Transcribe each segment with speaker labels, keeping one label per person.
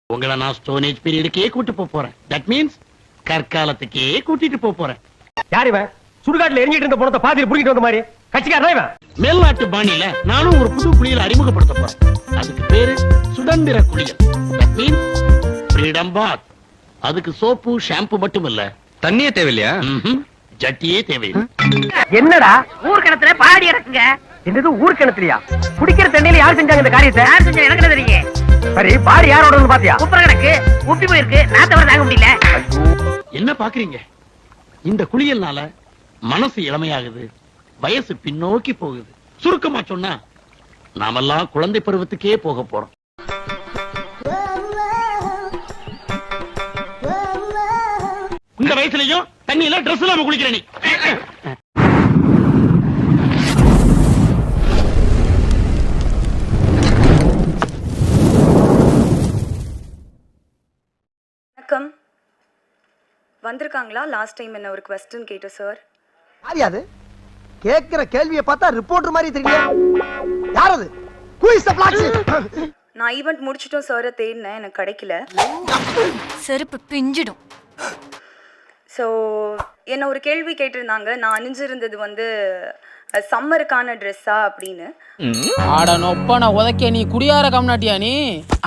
Speaker 1: உங்களை நான் stone age பீரியடுக்கே கூட்டு போறேன். தட் மீன்ஸ் கற்காலத்துக்கே கூட்டிட்டு போறேன்.
Speaker 2: யார் இவன்? சுடுகாட்டுல எரிஞ்சிட்டு இருந்த பணத்தை பாதியில் புடிக்கிட்டு வந்த மாதிரி கட்சிக்காரனா இவன்?
Speaker 1: மேல்நாட்டு பாணியில நானும் ஒரு புது குளியல் அறிமுகப்படுத்த போறேன். அதுக்கு பேரு சுதந்திர குளியல். That means freedom bath. அதுக்கு சோப்பு ஷாம்பு மட்டும் இல்ல,
Speaker 3: தண்ணியே தேவையில்லையா?
Speaker 1: ஜட்டியே தேவையில்லை.
Speaker 2: என்னடா
Speaker 4: ஊர் கிணத்துல பாடி இறக்குங்க.
Speaker 2: என்னது ஊர் கிணத்துலயா? குடிக்கிற தண்ணியில யார் செஞ்சாங்க இந்த காரியத்தை?
Speaker 4: யார் செஞ்சா எனக்கு என்ன தெரியும்?
Speaker 2: சரி பாடி யாரோட பாத்தியா?
Speaker 4: குப்புற கிடக்கு உப்பி போயிருக்கு, நான் தவிர தாங்க முடியல.
Speaker 1: என்ன பாக்குறீங்க? இந்த குளியல்னால மனசு இளமையாகுது, வயசு பின்னோக்கி போகுது. சுருக்கமா சொன்னா நாமெல்லாம் குழந்தை பருவத்துக்கே போக போறோம். இந்த வயசுலயும் தண்ணியில ட்ரெஸ் இல்லாம குளிக்கிற நீ.
Speaker 5: வணக்கம். வந்திருக்காங்களா? லாஸ்ட் டைம் என்ன ஒரு क्वेश्चन கேட்ட சார்.
Speaker 6: யாரு கேக்குற கேள்வியை பார்த்தா ரிப்போர்ட்டர் மாதிரி தெரியல. யார் அது? Who is the black sheep?
Speaker 5: நான் ஈவென்ட் முடிச்சிட்டோம் சார், தேடினேன், எனக்கு கிடைக்கல.
Speaker 7: செருப்பு பிஞ்சிடும்.
Speaker 5: ஸோ என்ன ஒரு கேள்வி கேட்டிருந்தாங்க, நான் அணிஞ்சிருந்தது வந்து சம்மருக்கான ட்ரெஸ்ஸா அப்படின்னு.
Speaker 8: ஆட நொப்ப நான் உதைக்க நீ குடியார கம்னாட்டியா நீ?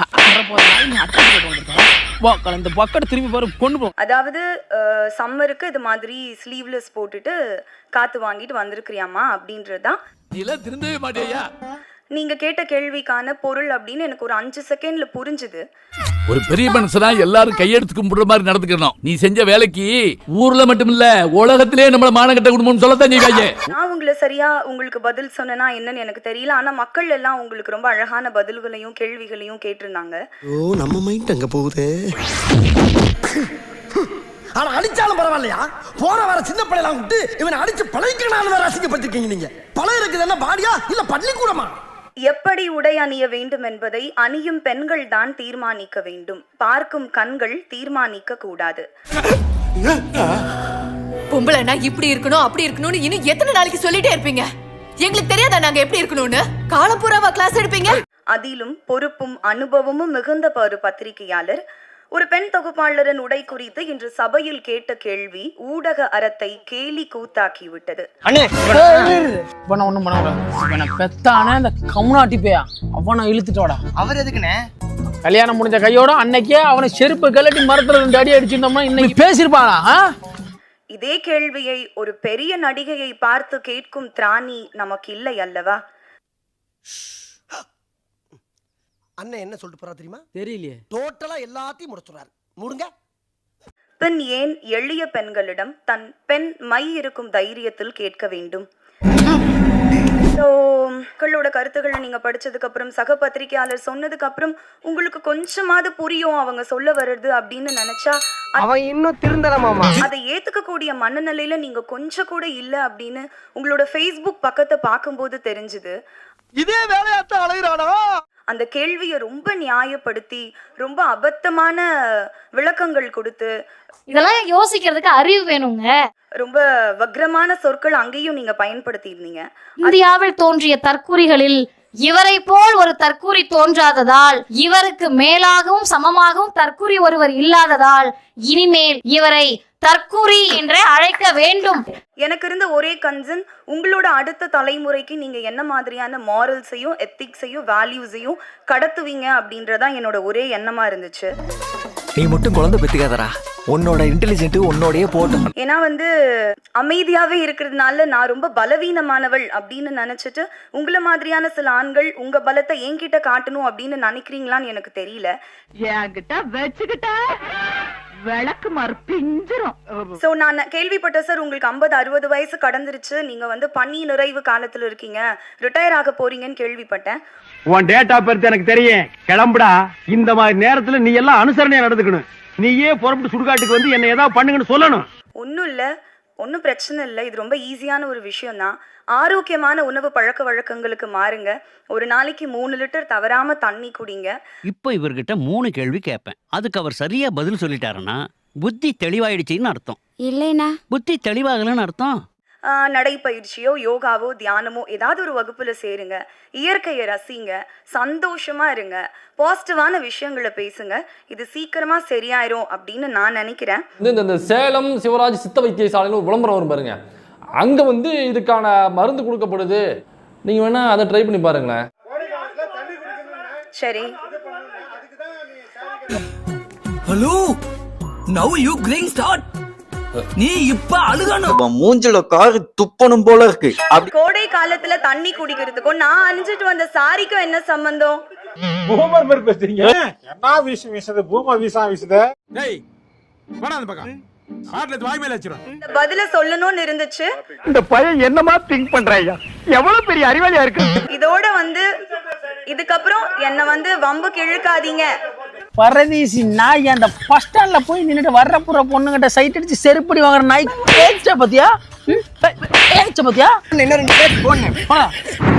Speaker 8: இந்த பக்கெட் திரும்பி பாரு கொண்டு போ.
Speaker 5: அதாவது சம்மருக்கு இது மாதிரி ஸ்லீவ்லெஸ் போட்டுட்டு காத்து வாங்கிட்டு வந்திருக்கிறியாமா அப்படின்றதுதான்.
Speaker 8: திருந்தவே மாட்டேயா?
Speaker 5: நீங்க கேட்ட கேள்விக்கான பொருள் அப்படின்னு எனக்கு ஒரு 5 செகண்ட்ல புரிஞ்சுது.
Speaker 9: ஒரு பெரிய மனுஷனா எல்லாரும் கையெடுத்து கும்பிடுற மாதிரி நடந்துக்கணும். நீ செஞ்ச வேலைக்கு ஊர்ல மட்டும் இல்ல உலகத்திலே நம்மள மானகட்ட குடும்பம்னு சொல்லத்தான் செய்வாங்க.
Speaker 5: நான் உங்களை சரியா உங்களுக்கு பதில் சொன்னா என்னன்னு எனக்கு தெரியல. ஆனா மக்கள் எல்லாம் உங்களுக்கு ரொம்ப அழகான பதில்களையும் கேள்விகளையும் கேட்டிருந்தாங்க.
Speaker 6: ஓ நம்ம மைண்ட் அங்க போகுதே. ஆனா அடிச்சாலும் பரவாயில்லையா? போற வர சின்ன பிள்ளைலாம் விட்டு இவனை அடிச்சு பழகிக்கணும் வேற அசிங்கப்பட்டிருக்கீங்க நீங்க. பழைய இருக்குது என்ன பாடியா இல்ல பள்ளிக்கூடமா?
Speaker 5: எப்படி உடை அணிய வேண்டும் என்பதை அணியும் பெண்கள் தான் தீர்மானிக்க வேண்டும். பார்க்கும் கண்கள் தீர்மானிக்க கூடாது.
Speaker 7: பொம்பளைனா இப்படி இருக்கணும் அப்படி இருக்கணும்னு இன்னும் எத்தனை நாளைக்கு சொல்லிட்டே இருப்பீங்க? எங்களுக்கு தெரியாதா நாங்க எப்படி இருக்கணும்னு? காலம்பூராவா கிளாஸ் எடுப்பீங்க?
Speaker 5: அதிலும் பொறுப்பும் அனுபவமும் மிகுந்த ஒரு பத்திரிகையாளர் ஒரு பெண் தொகுப்பாளரின் உடை குறித்து இன்று சபையில் கேட்ட கேள்வி ஊடக அறத்தை கேலி கூத்தாக்கி விட்டது.
Speaker 8: ஒண்ணும் பண்ண பெத்தானே இந்த கம்னாட்டி பேயா அவனை இழுத்துட்டோடா.
Speaker 4: அவர் எதுக்குண்ணே?
Speaker 8: கல்யாணம் முடிஞ்ச கையோட அன்னைக்கே அவனை செருப்பு கலட்டி மரத்துல 2 அடி அடிச்சிருந்தோம்னா இன்னைக்கு பேசிருப்பானா?
Speaker 5: இதே கேள்வியை ஒரு பெரிய நடிகையை பார்த்து கேட்கும் திராணி நமக்கு இல்லை அல்லவா?
Speaker 6: அண்ணன் என்ன சொல்லிட்டு போறா தெரியுமா?
Speaker 8: தெரியலையே.
Speaker 6: டோட்டலா எல்லாத்தையும் முடிச்சுறாரு. மூடுங்க.
Speaker 5: பெண் ஏன் எளிய பெண்களிடம் தன் பெண் மை இருக்கும் தைரியத்தில் கேட்க வேண்டும்? மக்களோட கருத்துக்களை நீங்க படிச்சதுக்கு அப்புறம் சக பத்திரிகையாளர் சொன்னதுக்கு அப்புறம் உங்களுக்கு கொஞ்சமாவது புரியும் அவங்க சொல்ல வருது அப்படின்னு நினைச்சா
Speaker 2: அவன் இன்னும் திருந்தலமாமா.
Speaker 5: அதை ஏத்துக்க கூடிய மனநிலையில நீங்க கொஞ்சம் கூட இல்ல அப்படின்னு உங்களோட Facebook பக்கத்தை பார்க்கும்போது தெரிஞ்சுது.
Speaker 6: இதே வேலையாத்தான் அலைகிறானா?
Speaker 5: அந்த கேள்வியை ரொம்ப நியாயப்படுத்தி ரொம்ப அபத்தமான விளக்கங்கள் கொடுத்து,
Speaker 10: இதெல்லாம் யோசிக்கிறதுக்கு அறிவு வேணுங்க.
Speaker 5: ரொம்ப வக்ரமான சொற்கள் அங்கேயும் நீங்க பயன்படுத்தி இருந்தீங்க.
Speaker 10: இந்தியாவில் தோன்றிய தற்கூரிகளில் இவரை போல் ஒரு தற்கூரி தோன்றாததால், இவருக்கு மேலாகவும் சமமாகவும் தற்கூரி ஒருவர் இல்லாததால் இனிமேல் இவரை தற்கூரி என்றே அழைக்க வேண்டும்.
Speaker 5: எனக்கு இருந்த ஒரே கன்சர்ன், உங்களோட அடுத்த தலைமுறைக்கு நீங்க என்ன மாதிரியான மாரல்ஸையும் எத்திக்ஸையும் வேல்யூஸையும் கடத்துவீங்க அப்படின்றதான் என்னோட ஒரே எண்ணமா இருந்துச்சு.
Speaker 3: நீ மட்டும் குழந்தை பெத்துக்காதடா, உன்னோட இன்டெலிஜென்ட் உன்னோடயே போட்டும்.
Speaker 5: ஏன்னா வந்து அமைதியாவே இருக்கிறதுனால நான் ரொம்ப பலவீனமானவள் அப்படின்னு நினைச்சிட்டு உங்களை மாதிரியான சில ஆண்கள் உங்க பலத்தை என்கிட்ட காட்டணும் அப்படின்னு நினைக்கிறீங்களான்னு எனக்கு தெரியல.
Speaker 4: என்கிட்ட வச்சுக்கிட்ட விளக்கு மறுப்பிஞ்சிரும்.
Speaker 5: சோ நான் கேள்விப்பட்ட சார் உங்களுக்கு 50-60 வயசு கடந்துருச்சு, நீங்க வந்து பணி நிறைவு காலத்துல இருக்கீங்க, ரிட்டையர் ஆக போறீங்கன்னு கேள்விப்பட்டேன்.
Speaker 2: உன் டேட் ஆஃப் பர்த் எனக்கு தெரியும். கிளம்புடா. இந்த மாதிரி நேரத்துல நீ எல்லாம் அனுசரணையா நடந்துக்கணும். நீயே புறப்பட்டு சுடுகாட்டுக்கு வந்து என்ன ஏதாவது பண்ணுங்கன்னு சொல்லணும்.
Speaker 5: ஒன்னும் இல்ல, ஒன்னும் பிரச்சனை இல்லை. இது ரொம்ப ஈஸியான ஒரு விஷயம் தான். ஆரோக்கியமான உணவு பழக்க வழக்கங்களுக்கு மாறுங்க. ஒரு நாளைக்கு 3 லிட்டர் தவறாம தண்ணி குடிங்க.
Speaker 1: இப்போ இவர்கிட்ட 3 கேள்வி கேட்பேன். அதுக்கு அவர் சரியா பதில் சொல்லிட்டாருன்னா புத்தி தெளிவாயிடுச்சின்னு அர்த்தம்.
Speaker 10: இல்லைனா
Speaker 1: புத்தி தெளிவாகலன்னு அர்த்தம்.
Speaker 5: நடைப்பயிற்சியோ யோகாவோ தியானமோ ஏதாவது ஒரு வகுப்புல சேருங்க, இயற்கையை ரசிங்க, சந்தோஷமா இருங்க, பாசிட்டிவான விஷயங்களை பேசுங்க. இது சீக்கிரமா சரியாயிரும் அப்படின்னு நான் நினைக்கிறேன்.
Speaker 11: இந்த சேலம் சிவராஜ் சித்த வைத்தியசாலைன்னு ஒரு விளம்பரம் வரும் பாருங்க, அங்க வந்து இதுக்கான மருந்து கொடுக்கப்படுது. நீங்க வேணா அதை ட்ரை பண்ணி பாருங்களேன்.
Speaker 5: சரி.
Speaker 6: Hello, now you crying start. நீ இப்ப அழுகணும்,
Speaker 3: மூஞ்சில காரி துப்பணும் போல இருக்கு.
Speaker 5: கோடை காலத்துல தண்ணி குடிக்கிறதுக்கும் நான் அணிஞ்சிட்டு வந்த சாரிக்கும் என்ன சம்பந்தம்?
Speaker 2: பூமர் மாதிரி பேசுறீங்க. என்ன விஷயம் வீசுது? பூமர் வீசா வீசுது. டேய் வாடா அந்த பக்கம். ஹார்ட்ல வாய் மேல வச்சிரும்.
Speaker 5: இந்த பதில சொல்லணும்னு இருந்துச்சு.
Speaker 2: இந்த பையன் என்னமா திங்க் பண்றாயா? எவ்வளவு பெரிய அறிவாளியா இருக்கு.
Speaker 5: இதோட வந்து இதுக்கப்புறம் என்ன வந்து வம்புக்கு இழுக்காதீங்க.
Speaker 8: பரதீசி நாய் அந்த பஸ் ஸ்டாண்ட்ல போய் நின்னுட்டு வர்ற புற பொண்ணுகிட்ட சைட் அடிச்சு செருப்படி வாங்குற நாய் ஏச்ச பத்தியா? ஏச்ச பத்தியா?
Speaker 6: என்ன 2 பேர் போன்